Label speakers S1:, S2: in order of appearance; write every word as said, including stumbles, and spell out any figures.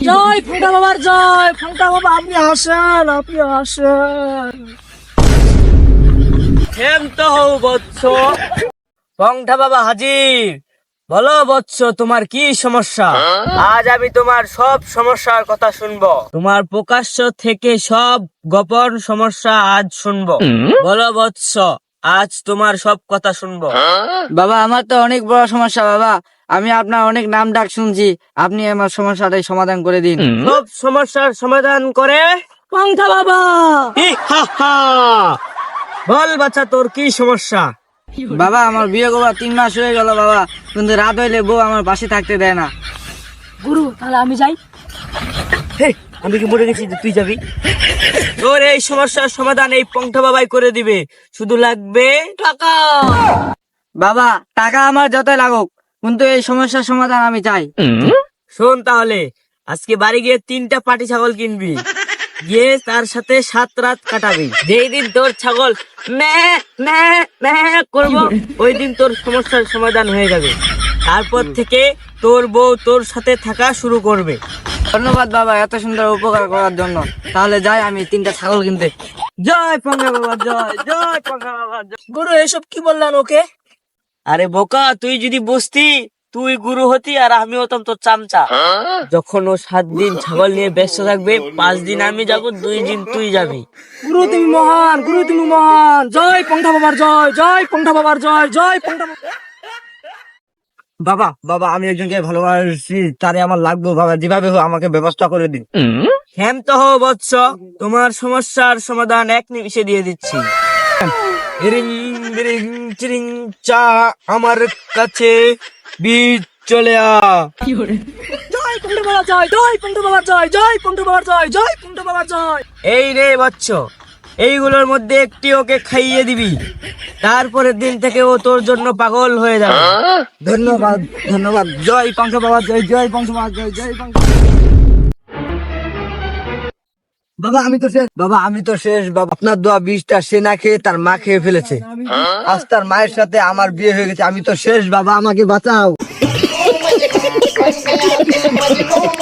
S1: জয় ফোঁটা বাবার জয়। ফোঁটা বাবা আপনি আসেন, আপনি আসেন।
S2: ক্ষান্ত হও বৎস। পংঠা বাবা হাজির। বলো বৎস, তোমার কি সমস্যা? আজ আমি তোমার সব সমস্যার কথা শুনবো। তোমার প্রকাশ্য থেকে সব গোপন সমস্যা আজ শুনবো। বলো বৎস, আজ তোমার সব কথা শুনবো।
S3: বাবা আমার তো অনেক বড় সমস্যা বাবা, আমি আপনার অনেক নাম ডাক শুনছি, আপনি আমার সমস্যাটাই সমাধান করে দিন।
S2: সব সমস্যার সমাধান করে
S1: পংঠা বাবা।
S2: হি হা হা। বল বাচ্চা, তোর কি সমস্যা?
S3: বাবা আমার বিয়ে করার তিন মাস হয়ে গেল বাবা, কিন্তু রাত হইলে বউ আমার পাশে থাকতে দেয় না।
S1: গুরু তাহলে আমি যাই।
S2: হে, আমি কি মরে গেছি যে তুই যাবি? তোর এই সমস্যার সমাধান এই পংঠা বাবাই করে দিবে, শুধু লাগবে
S1: টাকা।
S3: বাবা টাকা আমার যতই লাগুক, কিন্তু এই সমস্যার সমাধান আমি চাই।
S2: শোন তাহলে, আজকে বাড়ি গিয়ে তিনটা পাটি ছাগল কিনবি, গিয়ে তার সাথে সাত রাত কাটাবি। যেই দিন তোর ছাগল ম্যা ম্যা ম্যা করবো, ওই দিন তোর সমস্যার সমাধান হয়ে যাবে। তারপর থেকে তোর বউ তোর সাথে থাকা শুরু করবে।
S3: ধন্যবাদ বাবা এত সুন্দর উপকার করার জন্য। তাহলে যাই আমি তিনটা ছাগল কিনতে।
S2: জয় পংখা বাবা জয়, জয় পংখা বাবা জয়।
S1: গুরু এসব কি বললেন ওকে?
S2: আরে বোকা, তুই যদি বুঝতি, তুই গুরু হতি আর আমি হতাম তোর চামচা। যখন ও সাত দিন ছাগল নিয়ে ব্যস্ত থাকবে, পাঁচ দিন আমি যাব, দুই দিন তুই যাবি।
S1: গুরু তুমি মহান, গুরু তুমি মহান। জয় পংঠা বাবার জয়, জয় পংঠা বাবার জয়, জয় পংঠা বাবা।
S3: বাবা বাবা আমি একজনকে ভালোবাসি, তারে আমার লাগবে বাবা, যেভাবে হোক আমাকে ব্যবস্থা করে দিন।
S2: ক্ষান্ত হও বৎস, তোমার সমস্যার সমাধান এক নিমিষে দিয়ে দিচ্ছি। রিং রিং চিরিং চা, আমার কাছে বীজ চলে আ।
S1: জয় পংঠা বাবার জয়, জয় পংঠা বাবার জয়, জয় পংঠা বাবার জয়, জয় পংঠা বাবার জয়।
S2: এই রে বৎস, এইগুলোর মধ্যে একটি ওকে খাইয়ে দিবি, তারপরের দিন থেকে ও তোর জন্য পাগল হয়ে যাবে।
S3: ধন্যবাদ ধন্যবাদ। জয় পংখা বাবা জয়, জয় পংখা বাবা জয়, জয় পংখা। বাবা আমি তো শেষ, বাবা আমি তো শেষ বাবা। আপনার দোয়া বিষটা সে না খেয়ে তার মা খেয়ে ফেলেছে। আজ তার মায়ের সাথে আমার বিয়ে হয়ে গেছে, আমি তো শেষ বাবা, আমাকে বাঁচাও।